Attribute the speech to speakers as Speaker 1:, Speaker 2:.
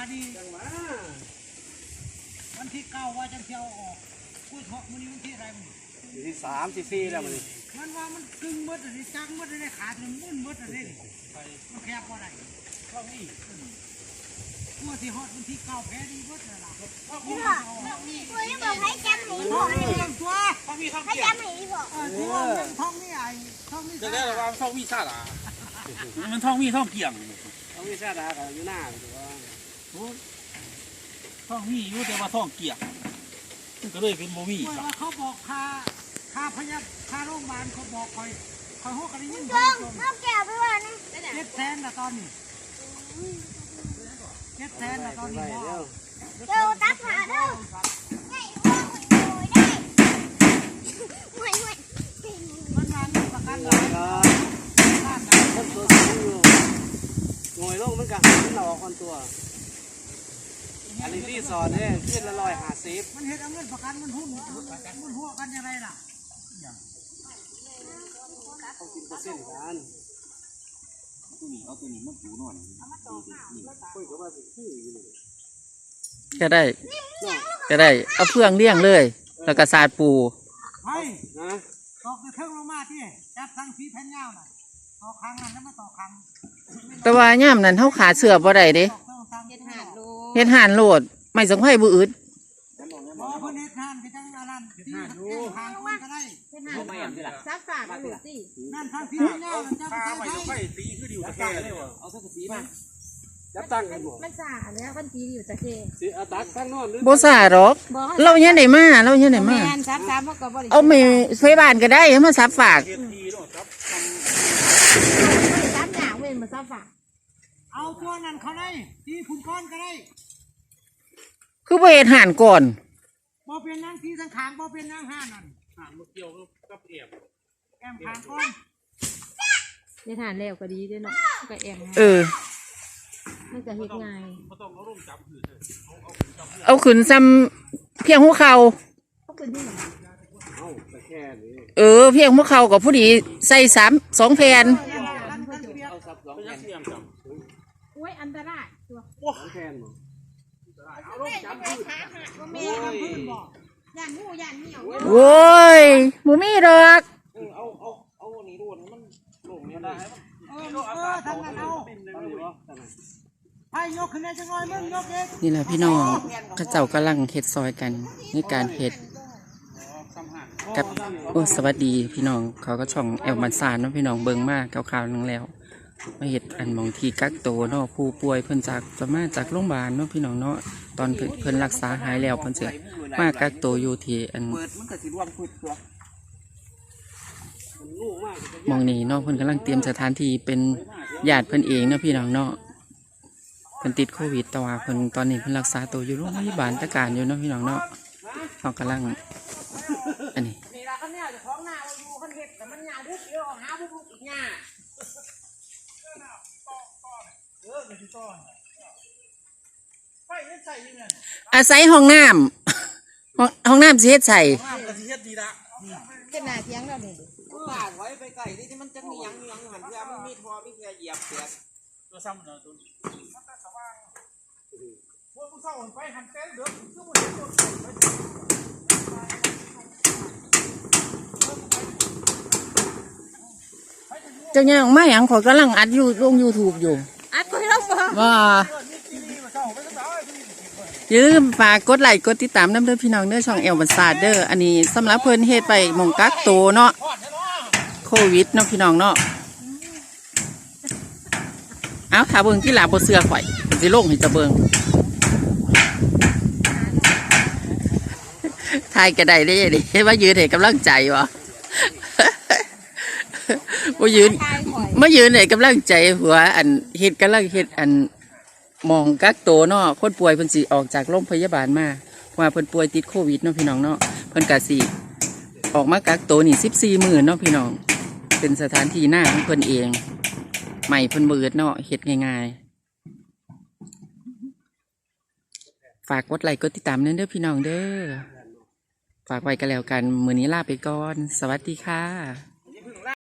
Speaker 1: ดีวันที่9ว่าจะเที่ยวออกกูทอกมันนี่วันที่อะไรมึง
Speaker 2: ที่3ที่4แล้ว
Speaker 1: มันว่ามันกึ่งมดอะไรจังมดอะไรขาดมันมุ่นมดอะไรมันแคบว่าไรช่องนี้กูที่ฮอตวันที่9แพ้ดีมดเลยล่ะกู
Speaker 3: ยังบอกให้จำหนีพ่อ
Speaker 1: ตัว
Speaker 3: ให้จำหนีพ่อ
Speaker 1: ตัวท้องนี่ไอ้ท้องนี่
Speaker 4: จะได้ระวังท้องมีชาดามันท้องมีท้องเกี่ยง
Speaker 2: ท้องมีชาดากับอยู่หน้าตัว
Speaker 4: ท้องมีอยู่แต่ว่าท้องเกี่ยงก็เลยเป็นโมมี่
Speaker 1: เขาบอกค่าพยาค่าโรงพยาบาลเขาบอกคอยหัวกันยิ่ง
Speaker 3: ต้องแก้ไปว่านะ
Speaker 1: 700,000ละตอนนี้700,000ละตอนนี้
Speaker 3: เจ้าตักหาเด้อไงพ่อคนโวยได้ห่วย
Speaker 1: มันมามีประกันหลาย
Speaker 2: คนตัวสูงอยู่งอยลงมันกัมันหลอกคนตัวอันนี้ที่สอนเนี่ยขึ้นละ150
Speaker 1: มันเห็นเอาเงินประกันมันหุ้นหัวกันยังไงล่ะ
Speaker 2: เขากินเปอร์เซ็นต์กัน
Speaker 4: ตัวนี้มันปูนอน
Speaker 5: ก็ได้เอาเฟืองเลี้ยงเลยแล้วก็สาดปู
Speaker 1: ไม่ตอกเครื่องลงมาที่จับทางสีแผ่นยาวน่ะต่อครั้งนั้นแล้วมาต่อครั้ง
Speaker 5: แต่ว่าย่ามนั้นเขาขาเสือบ่ได้เด้เฮ็ดห่านโลดไม่สังไห้บุอึด
Speaker 3: ซักฝากมาหลุดสิ
Speaker 1: นั่นทางสีแผ่นยาวจับทาง
Speaker 4: ไม่ต้องไปตีคือดิวตะแคงเลย
Speaker 2: เอาสักสีมาจับตั้งกันบ่
Speaker 3: มันสาแล้วมันตีอยู่ตะเค
Speaker 2: สิเอาตักตั้งนอน
Speaker 5: บ่สาหรอกเราเนี่ยได้มาเอาไม่ไฟบ้านก็ได้มาซับฝาก
Speaker 3: ซับหนาเว้นมาซับฝาก
Speaker 1: เอาตัวนั้นเขาได้ตีคุณก้อนก็ได้
Speaker 5: คือบ่เฮ็ดห่านก่อน
Speaker 1: บ่เป็นนางทีสังขารบ่เป็นนางห่านนั่น
Speaker 4: ห่านเกี่ยวกับแ
Speaker 1: อมขางก้อน
Speaker 3: ในฐานแล้วก็ดีด้วยเนาะก็แอมมันจะเฮ็ดง่าย
Speaker 5: เอาขึ้นซ้ำเพียงหัวเข่าเพียงหัวเข่ากับผู้ดีใส่2 แผ่น
Speaker 3: โอ้ยอันตรายตัว
Speaker 2: 2 แผ่น
Speaker 3: ย่านงูย่านเหนียว
Speaker 5: โว้ยบ่มีดอก
Speaker 4: เอาหนีรูดมันหลงเนี่ยได้
Speaker 1: ทำกันเอาให้ยกขึ้นได้จังเลยมึงยกเอง
Speaker 5: นี่แหละพี่น้องข้าเจ้ากำลังเฮ็ดซอยกันในการเฮ็ดกับสวัสดีพี่น้องเขาก็ช่องแอลบันซานเนาะพี่น้องเบิ่งมากคร่าวๆนึงแล้วมาเฮ็ดอันมองที่กักโตเนาะผู้ป่วยเพิ่นจากโรงพยาบาลเนาะพี่น้องเนาะตอนเพิ่นรักษาหายแล้วเพิ่นจะมากักโตอยู่ที่อันมองนี้เนาะเพิ่นกำลังเตรียมสถานที่เป็นญาติเพิ่นเองเนาะพี่น้องเนาะเพิ่นติดโควิดแต่ว่าเพิ่นตอนนี้เพิ่นรักษาตัวอยู่โรงพยาบาลตะการอยู่เนาะพี่น้องเนาะเขากำลังอันนี้อาศัยห้องน้ำสิเฮ็ดใส่
Speaker 3: เป็นหน้าเทียงแล้วนี่
Speaker 2: ปาดไว้ไปไก่ที่มันจะมียังหันเพื่อมันมีทอมีเพื่อเหยียบเสีย
Speaker 4: ตัวซ้ำเนาะตัวพวกผู้สาวไปหันเต้นเดือดคือมัน
Speaker 5: เจ้าเนี่ยไม่หยังขอกำลังอัดอยู่ลง YouTube อยู่
Speaker 3: อัดก็ให้เราฟัง
Speaker 5: ว่าอย่าลืมฝากกดไลค์กดติดตามน้ำเด้อพี่น้องเด้อช่องแอลบันซาเด้ออันนี้สำหรับเพิ่นเฮ็ดไปหม่องกักโตเนาะโควิดเนาะพี่น้องเนาะเอาถ้าเบิ่งที่หลาบ่เสื้อข่อยสิลงให้จะเบิ่งทายก็ได้เด้ดิว่ายืนให้กำลังใจวะบ่ยืนให้กำลังใจหัวอันเฮ็ดกำลังเฮ็ดอันมองกักโตเนาะคนป่วยเพิ่นสิออกจากโรงพยาบาลมาว่าเพิ่นป่วยติดโควิดเนาะพี่น้องเนาะเพิ่นก็สิออกมากักโตนี่14 มื้อเนาะพี่น้องเป็นสถานที่หน้าของเพิ่นเองใหม่เพิ่นเบิดเนาะเฮ็ดง่ายๆฝากกดไลค์กดติดตามเด้อพี่น้องเด้อฝากไว้กันแล้วกันมื้อนี้ลาไปก่อนสวัสดีค่ะ